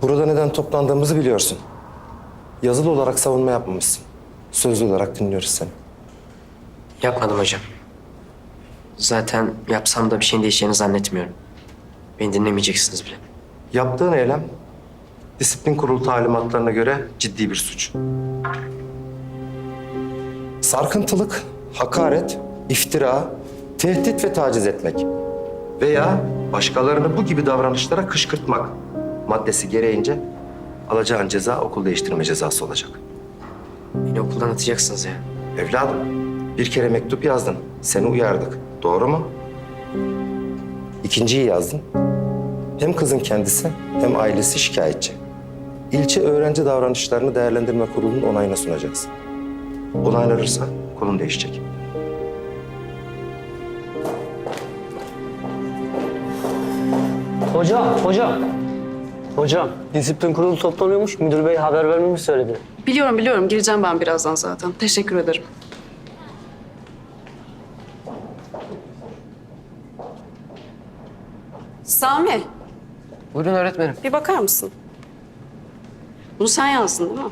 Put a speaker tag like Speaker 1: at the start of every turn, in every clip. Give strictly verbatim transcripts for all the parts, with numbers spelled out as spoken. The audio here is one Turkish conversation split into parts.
Speaker 1: Burada neden toplandığımızı biliyorsun. Yazılı olarak savunma yapmamışsın. Sözlü olarak dinliyoruz seni.
Speaker 2: Yapmadım hocam. Zaten yapsam da bir şeyin değişeceğini zannetmiyorum. Beni dinlemeyeceksiniz bile.
Speaker 1: Yaptığın eylem disiplin kurulu talimatlarına göre ciddi bir suç. Sarkıntılık, hakaret, iftira, tehdit ve taciz etmek veya başkalarını bu gibi davranışlara kışkırtmak maddesi gereğince alacağın ceza okul değiştirme cezası olacak.
Speaker 2: Beni okuldan atacaksınız ya.
Speaker 1: Evladım, bir kere mektup yazdın. Seni uyardık. Doğru mu? İkinciyi yazdın. Hem kızın kendisi hem ailesi şikayetçi. İlçe öğrenci davranışlarını değerlendirme kurulunun onayına sunacaksın. Onaylanırsa konum değişecek.
Speaker 3: Hocam, hocam. Hocam, disiplin kurulu toplanıyormuş. Müdür bey haber vermemi söyledi.
Speaker 4: Biliyorum biliyorum. Gireceğim ben birazdan zaten. Teşekkür ederim. Sami,
Speaker 2: Buyurun öğretmenim.
Speaker 4: bir bakar mısın? Bunu sen yazdın değil mi?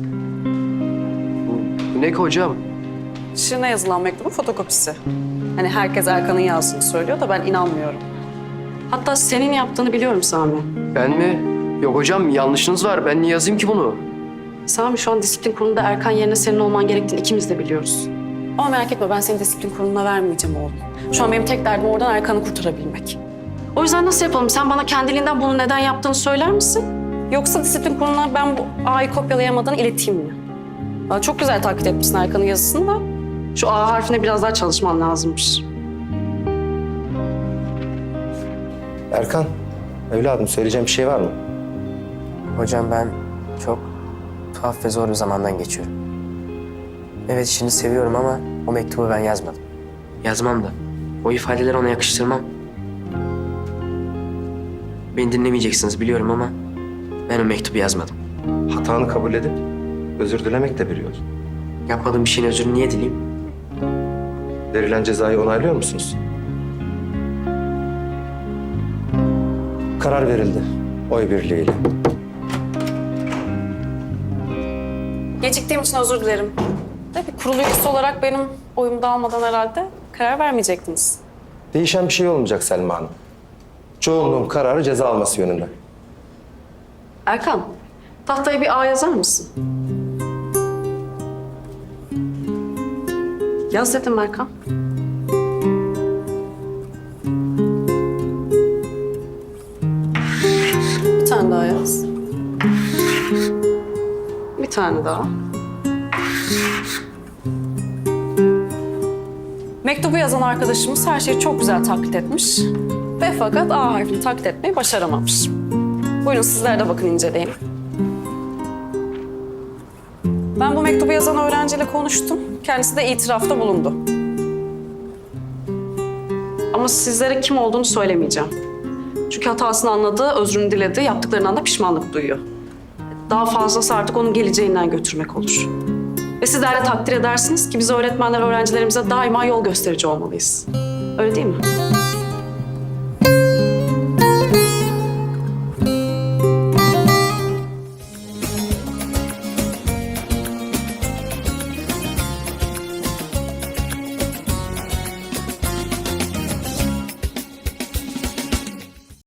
Speaker 2: Bu ne ki hocam?
Speaker 4: Şirine yazılan mektubun fotokopisi. Hani herkes Erkan'ın yazdığını söylüyor da ben inanmıyorum. Hatta senin yaptığını biliyorum Sami.
Speaker 2: Ben mi? Yok hocam yanlışınız var. Ben niye yazayım ki bunu?
Speaker 4: Sami şu an disiplin kurulunda Erkan yerine senin olman gerektiğini ikimiz de biliyoruz. Ama merak etme ben seni disiplin kuruluna vermeyeceğim oğlum. Şu an benim tek derdim oradan Erkan'ı kurtarabilmek. O yüzden nasıl yapalım? Sen bana kendiliğinden bunu neden yaptığını söyler misin? Yoksa disiplin kuruluna ben bu A'yı kopyalayamadığını ileteyim mi? Aa, çok güzel taklit etmişsin Erkan'ın yazısını da. Şu A harfine biraz daha çalışman lazımmış.
Speaker 1: Erkan, evladım söyleyeceğim bir şey var mı?
Speaker 2: Hocam ben çok tuhaf ve zor bir zamandan geçiyorum. Evet işini seviyorum ama o mektubu ben yazmadım. Yazmam da. O ifadeleri ona yakıştırmam. Beni dinlemeyeceksiniz biliyorum ama ben o mektubu yazmadım.
Speaker 1: Hatanı kabul edip özür dilemek de bir yol.
Speaker 2: Yapmadığım bir şeyin özrünü niye dileyim?
Speaker 1: Verilen cezayı onaylıyor musunuz? Karar verildi. Oy birliğiyle.
Speaker 4: Geciktiğim için özür dilerim. De bir kurulu üyesi olarak benim oyumu da almadan herhalde karar vermeyecektiniz.
Speaker 1: Değişen bir şey olmayacak Selma Hanım. Çoğunluğun kararı ceza alması yönünde.
Speaker 4: Erkan, tahtaya bir A yazar mısın? Yaz dedim Erkan. Bir tane daha yaz. Bir tane daha. Mektubu yazan arkadaşımız her şeyi çok güzel taklit etmiş. Ve fakat A harfini taklit etmeyi başaramamış. Buyurun sizler de bakın inceleyin. Ben bu mektubu yazan öğrenciyle konuştum. Kendisi de itirafta bulundu. Ama sizlere kim olduğunu söylemeyeceğim. Çünkü hatasını anladı, özrünü diledi, yaptıklarından da pişmanlık duyuyor. Daha fazlası artık onun geleceğinden götürmek olur. Ve sizler de takdir edersiniz ki biz öğretmenler öğrencilerimize daima yol gösterici olmalıyız. Öyle değil mi?